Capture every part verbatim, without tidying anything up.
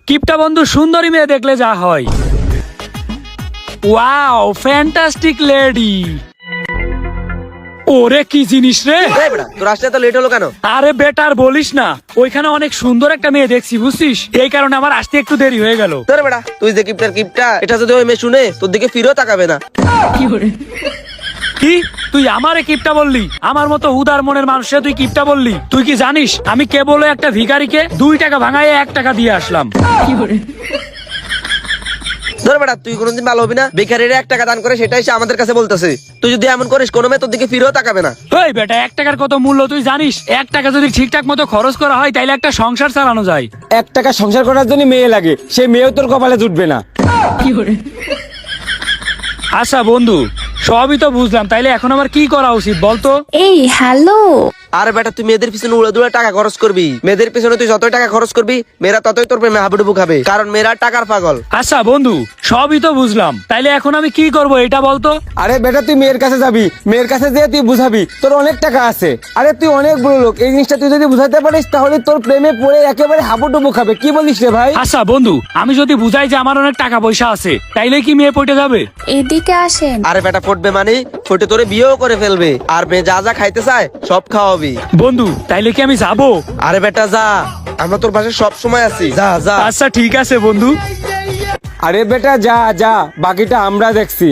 কিপটা বন্ধু সুন্দরী মেয়ে দেখলে যা হয়। Wow fantastic lady. ওরে কি জিনিস রে। তোর আসতে তো লেট হলো কেন? আরে বেটার বলিস না, ওইখানে অনেক সুন্দর একটা মেয়ে দেখছি বুঝছিস, এই কারণে আমার আসতে একটু দেরি হয়ে গেল। তোর বেটা তুই যে কিপটার কিপটা, এটা যদি ওই মেয়ে শুনে তোর দিকে ফিরেও তাকাবে না। কি তুই আমারে কিপটা বললি? আমার মতো উদার মনের মানুষে তুই কিপটা বললি? তুই কি জানিস আমি কেবল একটা ভিখারিকে দুই টাকা ভাঙায় এক টাকা দিয়ে আসলাম। ধর বেটা তুই কোনোদিন ভালো হবি না, বেকারিরা এক টাকা দান করে সেটাই সে আমাদের কাছে বলতেছে। তুই যদি এমন করিস কোনো মেয়ে তোর দিকে ফিরেও তাকাবে না। ওই বেটা এক টাকার কত মূল্য তুই জানিস? এক টাকা যদি ঠিকঠাক মতো খরচ করা হয় তাইলে একটা সংসার চালানো যায়। এক টাকা সংসার করার জন্য মেয়ে লাগে, সেই মেয়েও তোর কপালে জুটবে না। আচ্ছা বন্ধু সবই তো বুঝলাম, তাইলে এখন আমার কি করা উচিত বলতো? এই হ্যালো, আরে বেটা তুই মেয়েদের পিছনে উড়ে দুড়ে টাকা খরচ করবি। মেয়েদের পিছনে তুই যতই টাকা খরচ করবি মেয়েরা ততই তোর প্রেমে হাবুডুবু খাবে, কারণ মেয়েরা টাকার পাগল। আচ্ছা বন্ধু সবই তো বুঝলাম, তাইলে এখন আমি কি করব এটা বলতো? আরে বেটা তুই মেয়ের কাছে যাবি, মেয়ের কাছে যেয়ে তুই বুঝাবি তোর অনেক টাকা আছে। আরে তুই অনেক বড় লোক, এই জিনিসটা তুই যদি বুঝাতে পারিস তাহলে তোর প্রেমে পড়ে একেবারে হাবুডুবু খাবে। কি বলিস রে ভাই? আচ্ছা বন্ধু আমি যদি বুঝাই যে আমার অনেক টাকা পয়সা আছে তাইলে কি মেয়ে পটে যাবে? এদিকে আসেন। আরে বেটা পড়বে মানে ফটে তোরে বিয়েও করে ফেলবে, আর মেয়ে যা যা খাইতে চায় সব খাওয়াবি। বন্ধু তাইলে কি আমি যাবো? আরে বেটা যা, আমরা তোর পাশে সব সময় আছি, যা যা। আচ্ছা ঠিক আছে বন্ধু। আরে বেটা যা যা, বাকিটা আমরা দেখছি।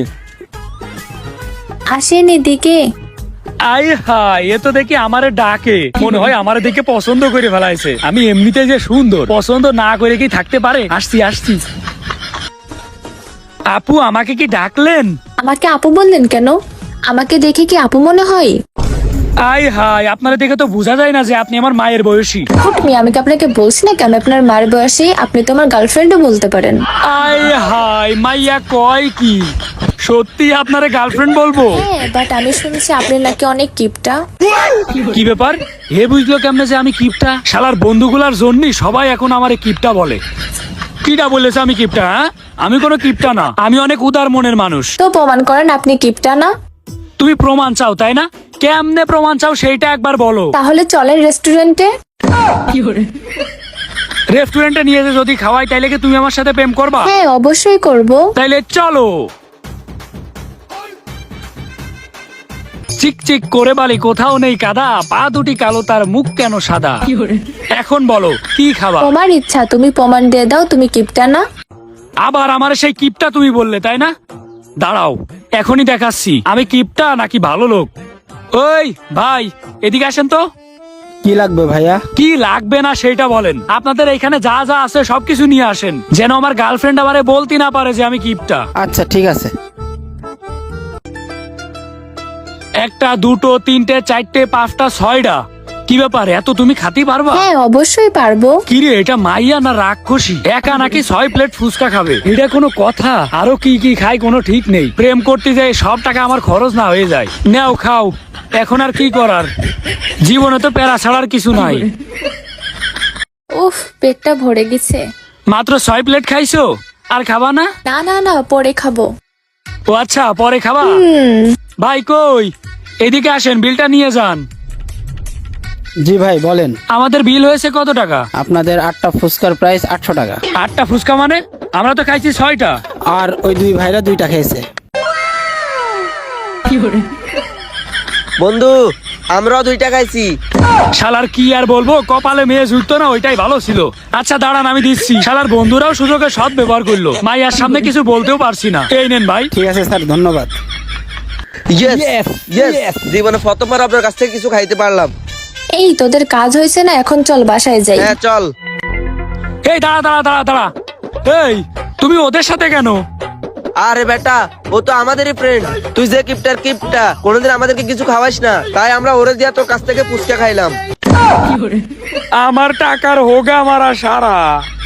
আসেন এদিকে। আই হাই, এ তো দেখি আমারে ডাকে, মনে হয় আমারে দেখে পছন্দ করে ফেলাইছে। আমি এমনিতে যে সুন্দর, পছন্দ না করে কি থাকতে পারে? আসছি আসছি। আপু আমাকে কি ডাকলেন? আমাকে আপু বললেন কেন? আমাকে দেখে কি আপু মনে হয়? আই হাই, আপনারা দেখে তো বোঝা যায় না যে আপনি আমার মায়ের বয়সী। হুট মিয়া, আমি কি আপনাকে বলছি না কি আমি আপনার মার বয়সী? আপনি তো আমার গার্লফ্রেন্ডও বলতে পারেন। আই হাই, মাইয়া কয় কি সত্যি আপনারে গার্লফ্রেন্ড বলবো? হ্যাঁ, বাট আমি শুনছি আপনি নাকি অনেক কিপটা। কি ব্যাপার? হে বুঝলো কেমনে যে আমি কিপটা? শালার বন্ধুগুলার জন্যই সবাই এখন আমারে কিপটা বলে। কিটা বলেছে আমি কিপটা? হ্যাঁ, আমি কোনো কিপটা না, আমি অনেক উদার মনের মানুষ। তো প্রমাণ করেন আপনি কিপটা না। তুমি প্রমাণ চাও তাই না? কেমনে প্রমাণ চাও সেইটা একবার বলো। তাহলে চলেন রেস্টুরেন্টে। রেস্টুরেন্টে নিয়ে যে যদি খাওয়াই তাইলে কি তুমি আমার সাথে প্রেম করবা? হ্যাঁ অবশ্যই করব। তাইলে চলো। চিক চিক করে বালি কোথাও নেই কাদা, পা দুটি কালো তার মুখ কেন সাদা। এখন বলো কি খাবা? তোমার ইচ্ছা, তুমি প্রমাণ দিয়ে দাও তুমি কিপটা না। আবার আমার সেই কিপটা তুমি বললে তাই না? দাঁড়াও এখনই দেখাচ্ছি আমি কিপটা নাকি ভালো লোক। ওই ভাই এদিকে আসেন তো। কি লাগবে ভাইয়া? কি লাগবে না সেটা বলেন। আপনাদের এখানে যা যা আছে সবকিছু নিয়ে আসেন, যেন আমার গার্লফ্রেন্ড আমারে বলতে না পারে যে আমি কিপটা। আচ্ছা ঠিক আছে। একটা দুটো তিনটে চারটে পাঁচটা ছয়টা। কি ব্যাপার, এত তুমি খাতি পারবা? হ্যাঁ অবশ্যই পারবো। কিরে এটা মাইয়া না রাক্ষসী? একা নাকি ছয় প্লেট ফুচকা খাবে? এটা কোনো কথা? আরো কি কি খাই কোনো ঠিক নেই। প্রেম করতে যাই সব টাকা আমার খরচ না হয়ে যায়। নাও খাও, এখন আর কি করার, জীবনে তো প্যারা ছাড়ার কিছু নাই। উফ, পেটটা ভরে গেছে। মাত্র ছয় প্লেট খাইছো, আর খাবা না? না না না, পরে খাবো। ও আচ্ছা পরে খাবা। হুম। ভাই কই, এদিকে আসেন, বিলটা নিয়ে যান। জি ভাই বলেন। আমাদের বিল হয়েছে কত টাকা? আপনাদের আটটা ফুচকার প্রাইস আটশো টাকা। আটটা ফুচকা মানে? আমরা তো খাইছি ছয়টা। আর ওই দুই ভাইরা দুইটা খেয়েছে। বন্ধু আমরাও দুইটা খাইছি। শালার কি আর বলবো, কপালে মেয়ে জুটতো না ওইটাই ভালো ছিল। আচ্ছা দাঁড়ান আমি দিচ্ছি। শালার বন্ধুরাও সুযোগে সৎ ব্যবহার করলো, মাইয়ার সামনে কিছু বলতেও পারছি না। এই নেন ভাই। ঠিক আছে স্যার, ধন্যবাদ। Yes, Yes, yes, yes. জীবনে প্রথমবার আপনার কাছ থেকে কিছু খাইতে পারলাম। এই তোদের কাজ হয়েছে না, এখন চল বাসায় যাই। হ্যাঁ চল। এই দাঁড়া দাঁড়া দাঁড়া দাঁড়া, এই তুমি ওদের সাথে কেন? আরে বেটা ও তো আমাদেরই ফ্রেন্ড, তুই যে কিপটার কিপটা কোনোদিন আমাদেরকে কিছু খাওয়াইস না, তাই আমরা ওরে দিয়া তোর কাছ থেকে ফুচকা খাইলাম। আমার টাকার হোগা মারা সারা।